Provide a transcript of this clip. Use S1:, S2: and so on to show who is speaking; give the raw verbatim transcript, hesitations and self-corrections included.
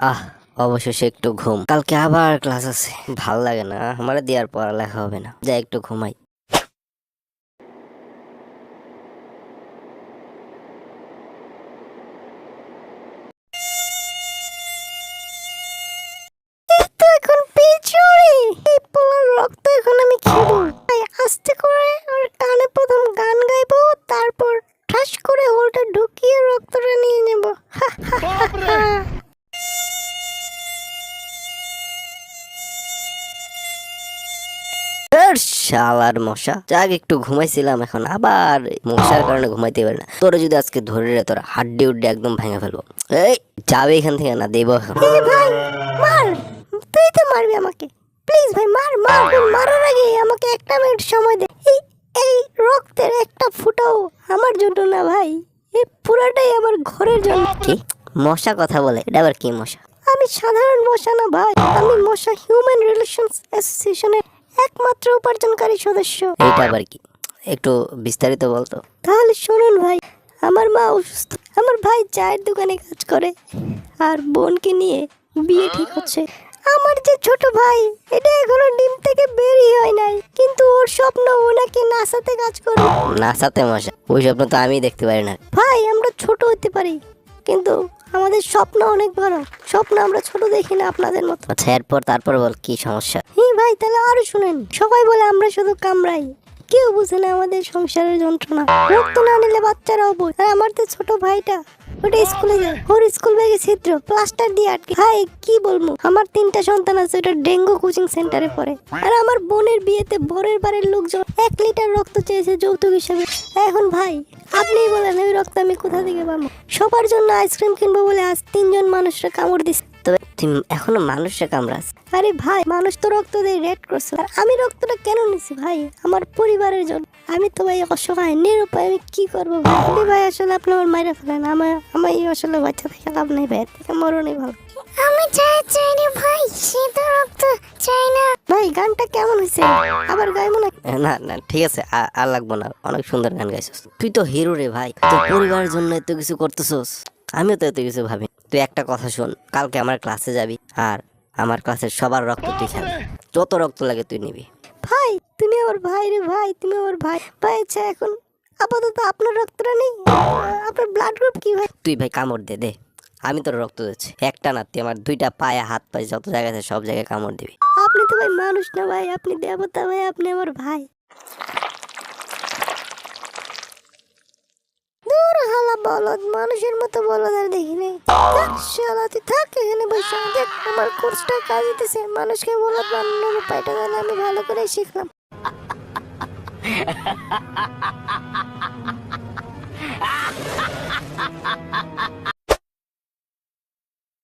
S1: আহ অবশেষে একটু ঘুম, কালকে আবার ক্লাস আছে। ভাল লাগে না, আমার দিয়ে আর পড়ালেখা হবে না, যাই একটু ঘুমাই। তো এখন পিছুরি এই পোলার রক্ত এখন আমি খাবো। তাই আস্তে করে আর কানে প্রথম গান গাইবো, তারপর ঠাস করে হোলটা ঢুকিয়ে রক্তটা নিয়ে নেব। শালার মশা, যাক একটু ঘুমাইছিলাম, এখন আবার মশার কারণে ঘুমাইতে পারি না। তোরা যদি আজকে ধরে রে, তোরা হাড্ডি উড্ডি একদম ভেঙে ফেলবো। এই যাবে এখান থেকে না, দেবো এখন। ভাই মার, তুই তো মারবি আমাকে, প্লিজ ভাই মার মার। মারার আগে আমাকে একটা মিনিট সময় দে। এই এই রক্তের একটা ফুটাও আমার জন্য না ভাই, এই পুরাটাই আমার ঘরের জন্য। কি মশা কথা বলে, এটা আবার কি মশা? আমি সাধারণ মশা না ভাই, আমি মশা হিউম্যান রিলেশনস অ্যাসোসিয়েশনের একমাত্র উপার্জনকারী সদস্য। এটা আবার কি, একটু বিস্তারিত বলতো। তাহলে শুনুন ভাই, আমার মা অসুস্থ, আমার ভাই চায়ের দোকানে কাজ করে, আর বোনকে নিয়ে বিয়ে ঠিক হচ্ছে। আমার যে ছোট ভাই, এটা এখনো ডিম থেকে বেরিয়ে হয় নাই, কিন্তু ওর স্বপ্ন ও নাকি নাসাতে কাজ করবে। নাসাতে মশা, ওই স্বপ্ন তো আমি দেখতে পারি না ভাই। আমরা ছোট হতে পারি, কিন্তু আমাদের স্বপ্ন অনেক বড়। স্বপ্ন আমরা ছোট দেখি না আপনাদের মতো। আচ্ছা এরপর তারপর বল কি সমস্যা? হ্যাঁ ভাই, তাহলে আরো শুনেন। সবাই বলে আমরা শুধু কামড়াই, কেউ বুঝে না আমাদের সংসারের যন্ত্রণা। রক্ত না নিলে বাচ্চারাও বোঝে। আর আমার তো ছোট ভাইটা, ওটা স্কুলে যায়, ওর স্কুল ব্যাগে ছিদ্র, প্লাস্টার দিয়ে আটকে। ভাই কি বলবো, আমার তিনটা সন্তান আছে, ওটা ডেঙ্গু কোচিং সেন্টারে পড়ে। আর আমার বোনের বিয়েতে বরের বাড়ির লোকজন এক লিটার রক্ত চেয়েছে যৌতুক হিসেবে। এখন ভাই আপনিই বলেন, ওই রক্ত আমি কোথা থেকে পাবো? সবার জন্য আইসক্রিম কিনবো বলে আজ তিনজন মানুষরা কামড় দিচ্ছে। তবে তুই এখনো মানুষরা কামড়াস? আরে ভাই, মানুষ তো রক্ত দিয়ে রেড করছে, আর আমি রক্তটা কেন নিছি ভাই? আমার পরিবারের জন্য। আমি তো ভাই অসহায় নিরুপায়, আমি কি করবো ভাই? আপনি ভাই আসলে আপনি আমার মাইরা ফেলেন, আমার আমি আসলে বাচ্চা থেকে লাভ নেই ভাই, থেকে মরণই ভালো।
S2: আমি চাই চাই রে ভাই, সে তো রক্ত চাই না।
S1: ভাই গানটা কেমন হয়েছে, আবার গাইবো না? না না ঠিক আছে, আ- আর লাগবো না, অনেক সুন্দর গান গাইছিস তুই, তো হিরো রে ভাই। তোর পরিবারের জন্য এত কিছু করতেছস, আমিও তো এত কিছু ভাবি। তুই একটা কথা শোন, কালকে আমার ক্লাসে যাবি, আর আমার ক্লাসের সবার রক্ত তুই খাবি, যত রক্ত লাগে তুই নিবি। ভাই তুমি আমার ভাই রে ভাই, তুমি আমার ভাই। ভাই আচ্ছা এখন আপাতত আপনার রক্তটা নেই, আপনার ব্লাড গ্রুপ কি ভাই? তুই ভাই কামড় দে দে, আমি তোর রক্ত দিচ্ছি। একটা না, তুই আমার দুইটা পায়ে হাত পায়ে যত জায়গায় আছে সব জায়গায় কামড় দিবি। আপনি তো ভাই মানুষ না ভাই, আপনি দেবতা ভাই, আপনি আমার ভাই। দূর হালা বলদ, মানুষের মতো বলদ আর দেখি নাই। থাক শালা, তুই থাক এখানে বসে, দেখ আমার কোর্সটা কাজ দিতেছে। মানুষকে বলদ বানানোর উপায়টা তাহলে আমি ভালো করে শিখলাম।